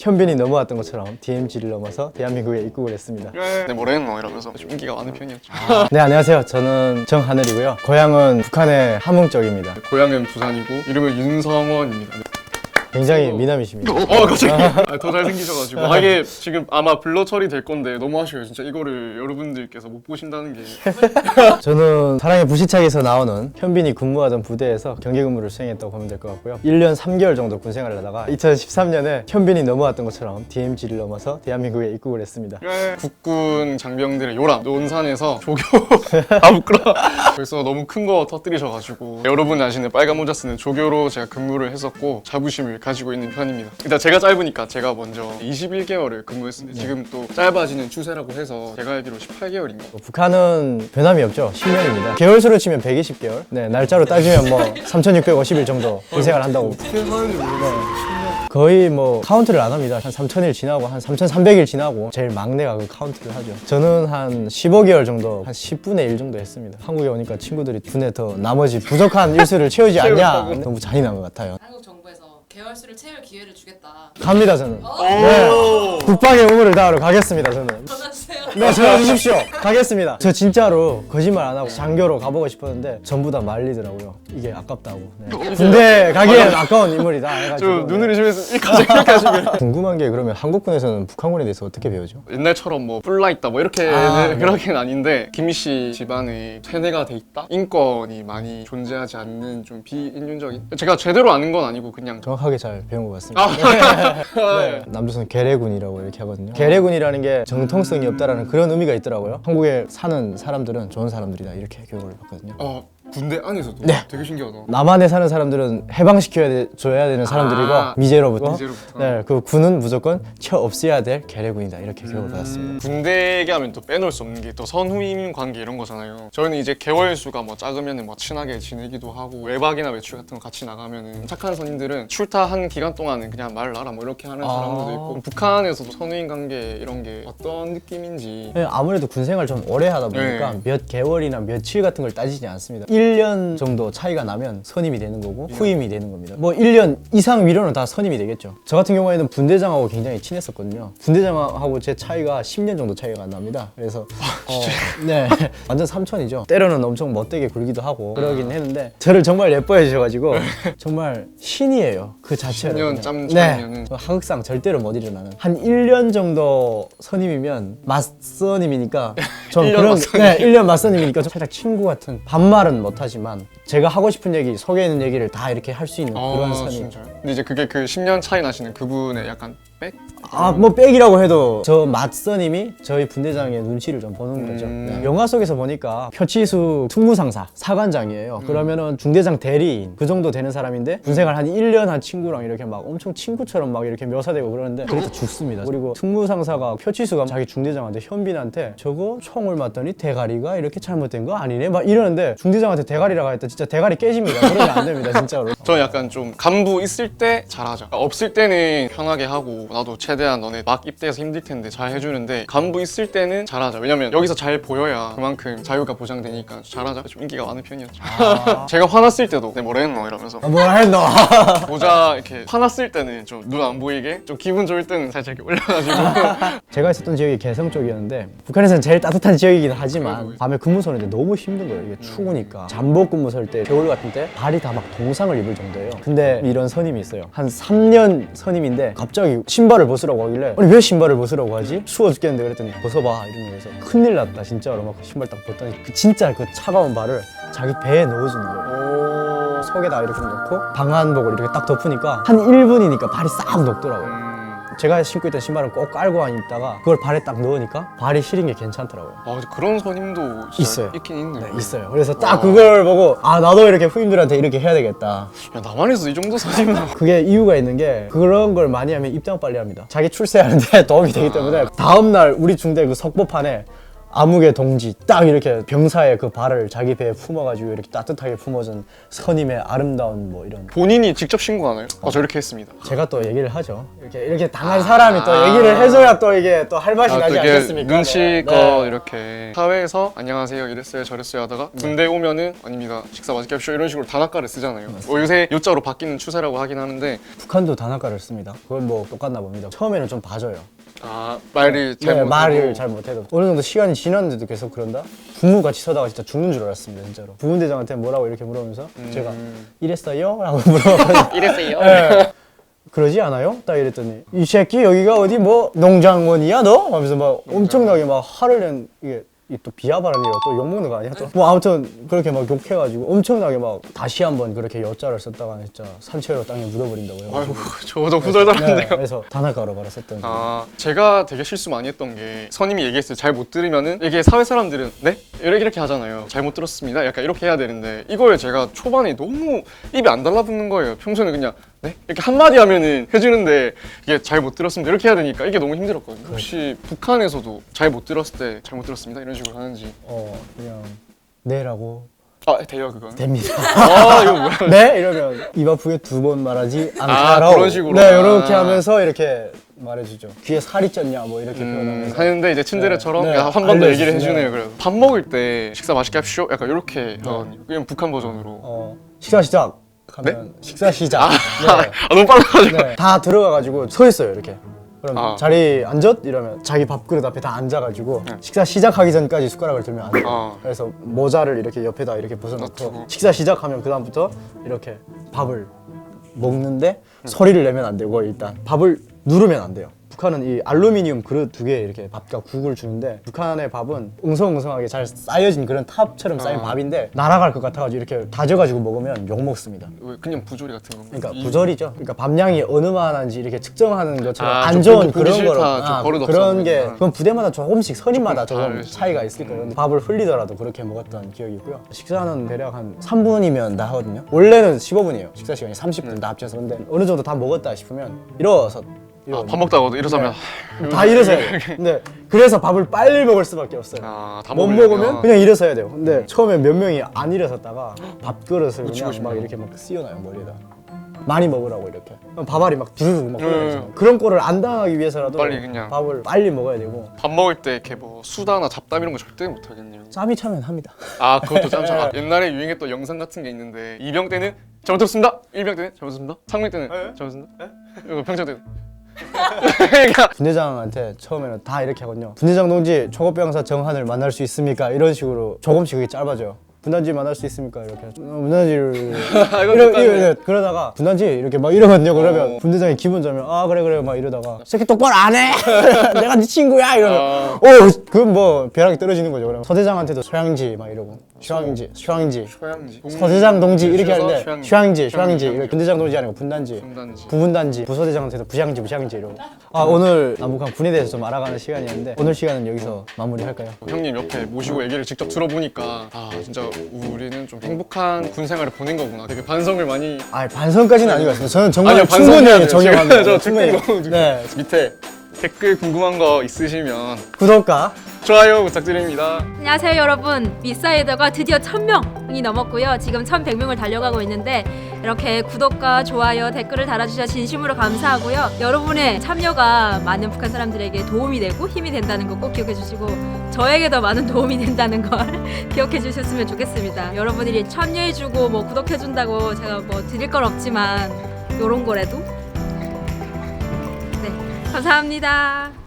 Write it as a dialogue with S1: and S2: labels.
S1: 현빈이 넘어왔던 것처럼 DMZ를 넘어서 대한민국에 입국을 했습니다.
S2: 네, 뭐래노 이러면서 좀 인기가 많은 편이었죠.
S1: 네, 안녕하세요. 저는 정하늘이고요. 고향은 북한의 함흥 쪽입니다.
S2: 고향은 부산이고 이름은 윤성원입니다.
S1: 굉장히 미남이십니다.
S2: 갑자기 더 잘생기셔가지고 이게 지금 아마 블러 처리될 건데 너무 아쉬워요. 진짜 이거를 여러분들께서 못 보신다는 게.
S1: 저는 사랑의 부시착에서 나오는 현빈이 근무하던 부대에서 경계 근무를 수행했다고 보면 될 것 같고요. 1년 3개월 정도 군 생활을 하다가 2013년에 현빈이 넘어왔던 것처럼 DMZ를 넘어서 대한민국에 입국을 했습니다.
S2: 국군 장병들의 요람 논산에서 조교 부끄러워. 벌써 너무 큰 거 터뜨리셔가지고 여러분 아시는 빨간 모자 쓰는 조교로 제가 근무를 했었고 자부심을 가지고 있는 편입니다. 일단 제가 짧으니까 제가 먼저 21개월을 근무했는데 지금 또 짧아지는 추세라고 해서 제가 알기로 18개월인가?
S1: 북한은 변함이 없죠. 10년입니다. 개월수로 치면 120개월. 네, 날짜로 따지면 뭐 3,650일 정도 군 생활을 한다고.
S2: 어떻게 사는지 모르겠어요.
S1: 거의 뭐 카운트를 안 합니다. 한 3,000일 지나고 한 3,300일 지나고 제일 막내가 그 카운트를 하죠. 저는 한 15개월 정도, 한 10분의 1 정도 했습니다. 한국에 오니까 친구들이 분에 더 나머지 부족한 일수를 채우지 않냐. 너무 잔인한 것 같아요.
S3: 한국 정부에서 개월수를 채울 기회를 주겠다.
S1: 갑니다, 저는. 네. 국방의 의무를 다하러 가겠습니다, 저는.
S3: 전화주세요.
S1: 네, 전화 주십시오. 가겠습니다. 저 진짜로 거짓말 안 하고 장교로 가보고 싶었는데 전부 다 말리더라고요. 이게 아깝다고. 네. 군대 가기엔 아까운 인물이다
S2: 저
S1: 해가지고.
S2: 눈을 심해서 갑자기 이렇게 하시면
S1: 궁금한 게 그러면 한국군에서는 북한군에 대해서 어떻게 배우죠?
S2: 옛날처럼 뭐 뿔나 있다 뭐 이렇게
S1: 네.
S2: 그러긴 아닌데 김희 씨 집안에 세뇌가 돼 있다? 인권이 많이 존재하지 않는 좀 비인륜적인 제가 제대로 아는 건 아니고 그냥
S1: 정확하게 잘 배운 것 같습니다. 네. 남조선 계례군이라고 이렇게 하거든요. 계례군이라는 게 정통성이 없다라는 그런 의미가 있더라고요. 한국에 사는 사람들은 좋은 사람들이다 이렇게 교육을 받거든요.
S2: 군대 안에서도
S1: 네.
S2: 되게 신기하다.
S1: 남한에 사는 사람들은 줘야 되는 사람들이고 미제로부터
S2: 미제로부터.
S1: 네, 그 군은 무조건 없애야 될 계례군이다 이렇게 교육을 받았습니다.
S2: 군대 얘기하면 또 빼놓을 수 없는 게 또 선후임 관계 이런 거잖아요. 저희는 이제 개월수가 뭐 작으면은 뭐 친하게 지내기도 하고 외박이나 외출 같은 거 같이 나가면은 착한 선임들은 출타한 기간 동안은 그냥 말 놔라 뭐 이렇게 하는 사람들도 있고 북한에서도 선후임 관계 이런 게 어떤 느낌인지
S1: 네, 아무래도 군 생활 좀 오래 하다 보니까 몇 개월이나 며칠 같은 걸 따지지 않습니다. 1년 정도 차이가 나면 선임이 되는 거고 후임이 되는 겁니다. 뭐 1년 이상 위로는 다 선임이 되겠죠. 저 같은 경우에는 분대장하고 굉장히 친했었거든요. 분대장하고 제 차이가 10년 정도 차이가 납니다. 그래서 네, 완전 삼촌이죠. 때로는 엄청 멋되게 굴기도 하고 그러긴 했는데 저를 정말 예뻐해 주셔가지고 정말 신이에요. 그 자체가.
S2: 10년 짬
S1: 네,
S2: 차이면은
S1: 하극상 절대로 못 일어나는 한 1년 정도 선임이면 맞선임이니까 좀
S2: 1년
S1: 그런
S2: 맞선임.
S1: 네, 1년 맞선임이니까 좀 살짝 친구 같은 반말은 못하지만 제가 하고 싶은 얘기, 속에 있는 얘기를 다 이렇게 할 수 있는 그런 선임.
S2: 진짜요? 근데 이제 그게 그 10년 차이 나시는 그분의 약간 백?
S1: 뭐 백이라고 해도 저 맞선임이 저희 분대장의 눈치를 좀 보는 거죠. 네. 영화 속에서 보니까 표치수 특무상사, 사관장이에요. 그러면은 중대장 대리인 그 정도 되는 사람인데 군생활 한 1년 한 친구랑 이렇게 막 엄청 친구처럼 막 이렇게 묘사되고 그러는데 그래도 죽습니다. 그리고 특무상사가 표치수가 자기 중대장한테 현빈한테 저거 총을 맞더니 대가리가 이렇게 잘못된 거 아니네? 막 이러는데 중대장한테 대가리라고 했다 진짜 대가리 깨집니다. 그러면 안 됩니다 진짜로.
S2: 저는 약간 좀 간부 있을 때 잘하자. 없을 때는 편하게 하고 나도 최대한 너네 막 입대해서 힘들 텐데 잘 해주는데 간부 있을 때는 잘하자. 왜냐면 여기서 잘 보여야 그만큼 자유가 보장되니까 잘하자. 좀 인기가 많은 편이었죠. 제가 화났을 때도 내 뭐랬노 이러면서
S1: 뭐라 했노?
S2: 모자 이렇게 화났을 때는 좀 눈 안 보이게 좀 기분 좋을 때는 살짝 이렇게 올려가지고
S1: 제가 있었던 지역이 개성 쪽이었는데 북한에서는 제일 따뜻한 지역이긴 하지만 밤에 근무 서는데 너무 힘든 거예요. 이게 추우니까 잠복 근무 설 때 겨울 같은 때 발이 다 막 동상을 입을 정도예요. 근데 이런 선임이 있어요. 한 3년 선임인데 갑자기 신발을 벗으라고 하길래 아니 왜 신발을 벗으라고 하지? 추워 죽겠는데 그랬더니 벗어봐 이러면서 큰일 났다 진짜로 막 신발 딱 벗더니 진짜 그 차가운 발을 자기 배에 넣어주는 거예요. 속에다 이렇게 넣고 방한복을 이렇게 딱 덮으니까 한 1분이니까 발이 싹 녹더라고요. 제가 신고 있던 신발은 꼭 깔고 있다가 그걸 발에 딱 넣으니까 발이 시린 게 괜찮더라고요.
S2: 근데 그런 선임도 진짜
S1: 있어요.
S2: 있긴 있네요.
S1: 네, 있어요. 그래서 딱 그걸 보고 나도 이렇게 후임들한테 이렇게 해야 되겠다.
S2: 야 남한에서 이 정도 선임은
S1: 그게 이유가 있는 게 그런 걸 많이 하면 입당 빨리 합니다. 자기 출세하는데 도움이 되기 때문에 다음날 우리 중대 그 석보판에 암흑의 동지 딱 이렇게 병사의 그 발을 자기 배에 품어가지고 이렇게 따뜻하게 품어준 선임의 아름다운 뭐 이런.
S2: 본인이 직접 신고하나요? 저 이렇게 했습니다.
S1: 제가 또 얘기를 하죠. 이렇게 당한 사람이 또 얘기를 해줘야 또 이게 또 할 맛이 나지
S2: 또 이게
S1: 않겠습니까?
S2: 눈치껏
S1: 네.
S2: 이렇게 사회에서 안녕하세요 이랬어요 저랬어요 하다가 군대 오면은 아닙니다 식사 맛있게 합시오 이런 식으로 단아가를 쓰잖아요. 요새 요자로 바뀌는 추세라고 하긴 하는데
S1: 북한도 단아가를 씁니다. 그건 뭐 똑같나 봅니다. 처음에는 좀 봐줘요.
S2: 말을 잘
S1: 네,
S2: 못해도
S1: 말을 잘 못해도 어느 정도 시간이 지났는데도 계속 그런다? 부모 같이 서다가 진짜 죽는 줄 알았습니다 진짜로. 부분대장한테 뭐라고 이렇게 물어보면서 제가 이랬어요? 라고 물어봤거든요.
S2: 이랬어요.
S1: 네. 그러지 않아요? 딱 이랬더니 이 새끼 여기가 어디 뭐 농장원이야 너? 하면서 막 엄청나게 막 화를 낸 이게 또 비하발언이에요. 또 욕먹는 거 아니야? 또 뭐 아무튼 그렇게 막 욕해가지고 엄청나게 막 다시 한번 그렇게 여자를 썼다가 진짜 산채로 땅에 묻어버린다고요.
S2: 아이고 저도 후덜덜한데요.
S1: 그래서 단아가로 바로 썼던
S2: 제가 되게 실수 많이 했던 게 선임이 얘기했어요. 잘 못 들으면은 이게 사회 사람들은 네? 이렇게 하잖아요. 잘못 들었습니다. 약간 이렇게 해야 되는데 이걸 제가 초반에 너무 입이 안 달라붙는 거예요. 평소에는 그냥 네? 이렇게 한마디 하면은 해주는데 이게 잘 못 들었습니다. 이렇게 해야 되니까 이게 너무 힘들었거든요. 혹시 북한에서도 잘 못 들었을 때 잘못 들었습니다. 이런 식으로 하는지.
S1: 그냥 네라고
S2: 돼요 그건.
S1: 됩니다.
S2: 이거 뭐야.
S1: 네? 이러면 입 아프게 두 번 말하지 않다라고.
S2: 그런 식으로.
S1: 네, 이렇게 하면서 이렇게 말해주죠. 귀에 살이 쪘냐 뭐 이렇게 표현하면서.
S2: 하는데 이제 친데레처럼
S1: 네,
S2: 한 번 더 얘기를
S1: 알려주시죠.
S2: 해주네요. 그래서 밥 먹을 때 식사 맛있게 합시오. 약간 이렇게 하거든요. 그냥 북한 버전으로.
S1: 식사 시작 하면 식사 시작. 네.
S2: 너무 빨라가지고.
S1: 네. 다 들어가가지고 서 있어요 이렇게. 그럼
S2: 아.
S1: 자리 앉았? 이러면 자기 밥그릇 앞에 다 앉아가지고 식사 시작하기 전까지 숟가락을 들면 안 돼요. 그래서 모자를 이렇게 옆에다 이렇게 벗어놓고
S2: 놔두고.
S1: 식사 시작하면 그 다음부터 이렇게 밥을 먹는데 소리를 내면 안 되고 일단 밥을 누르면 안 돼요. 북한은 이 알루미늄 그릇 두 개 이렇게 밥과 국을 주는데 북한의 밥은 웅성웅성하게 잘 쌓여진 그런 탑처럼 쌓인 밥인데 날아갈 것 같아가지고 이렇게 다져가지고 먹으면 욕 먹습니다.
S2: 왜 그냥 부조리 같은 건가?
S1: 그러니까 부절이죠. 그러니까 밥량이 어느만한지 이렇게 측정하는 것처럼
S2: 아,
S1: 안
S2: 좀
S1: 좋은
S2: 보기
S1: 그런
S2: 싫다,
S1: 거로
S2: 좀 버릇 없어
S1: 그런 게
S2: 보인다.
S1: 그건 부대마다 조금씩 선임마다 조금
S2: 다를 수
S1: 차이가 있을 거예요. 근데 밥을 흘리더라도 그렇게 먹었던 기억이 있고요. 식사는 대략 한 3분이면 다 하거든요. 원래는 15분이에요. 식사 시간이 30분 다 합쳐서. 근데 어느 정도 다 먹었다 싶으면 일어서
S2: 밥 먹다가도 일어서면
S1: 다 일어서야 돼요. 근데 그래서 밥을 빨리 먹을 수밖에 없어요.
S2: 다
S1: 못
S2: 먹으려면.
S1: 먹으면 그냥 일어서야 돼요. 근데 처음에 몇 명이 안 일어섰다가 밥그릇을
S2: 묻히고
S1: 그냥 막
S2: 싶네요.
S1: 이렇게 막 씌워놔요 머리에다. 많이 먹으라고 이렇게. 그럼 밥알이 막 두루룩 막 흘러있잖아요. 그런 거를 안 당하기 위해서라도
S2: 빨리 그냥.
S1: 밥을 빨리 먹어야 되고.
S2: 밥 먹을 때 이렇게 뭐 수다나 잡담 이런 거 절대 못 하겠네요.
S1: 짬이 차면 합니다.
S2: 그것도 짬참. 옛날에 유행했던 영상 같은 게 있는데 2병 때는 잘못 들었습니다. 1병 때는 잘못 들었습니다. 3병 때는 잘못 들었습니다. 이거 병장 때는. 그러니까
S1: 분대장한테 처음에는 다 이렇게 하거든요. 분대장 동지 초급병사 정한을 만날 수 있습니까? 이런 식으로 조금씩 그게 짧아져요. 분단지 만날 수 있습니까? 이렇게 분단지를 그러다가 분단지 이렇게 막 이러거든요. 그러면 분대장이 기분 좋으면 그래 막 이러다가 새끼 똑바로 안 해. 내가 네 친구야 이러면 그건 뭐 벼락이 떨어지는 거죠. 그러면 서대장한테도 소양지 막 이러고 슈양지
S2: 소양지.
S1: 서대장 동지 이렇게
S2: 줄여서
S1: 하는데
S2: 슈양지.
S1: 슈양지 이렇게 분대장 동지 아니고 분단지
S2: 분단지.
S1: 부분단지 부서대장한테도 부샹지 이러고. 오늘 남북한 군에 대해서 좀 알아가는 시간이었는데 오늘 시간은 여기서 마무리할까요?
S2: 형님 옆에 모시고 얘기를 직접 들어보니까 진짜 우리는 좀 행복한 군 생활을 보낸 거구나. 되게 반성을 많이.
S1: 반성까지는 아닌 것 같습니다. 저는 정말
S2: 아니요, 반성해야
S1: 충분히
S2: 돼요.
S1: 정형합니다.
S2: 저
S1: 충분히.
S2: 댓글
S1: 네,
S2: 밑에 댓글 궁금한 거 있으시면
S1: 구독과
S2: 좋아요 부탁드립니다.
S4: 안녕하세요 여러분, 미사이더가 드디어 1000명이 넘었고요. 지금 1100명을 달려가고 있는데 이렇게 구독과 좋아요, 댓글을 달아주셔서 진심으로 감사하고요. 여러분의 참여가 많은 북한 사람들에게 도움이 되고 힘이 된다는 거 꼭 기억해 주시고 저에게도 많은 도움이 된다는 걸 기억해 주셨으면 좋겠습니다. 여러분들이 참여해주고 뭐 구독해준다고 제가 뭐 드릴 건 없지만 요런 거라도 네, 감사합니다.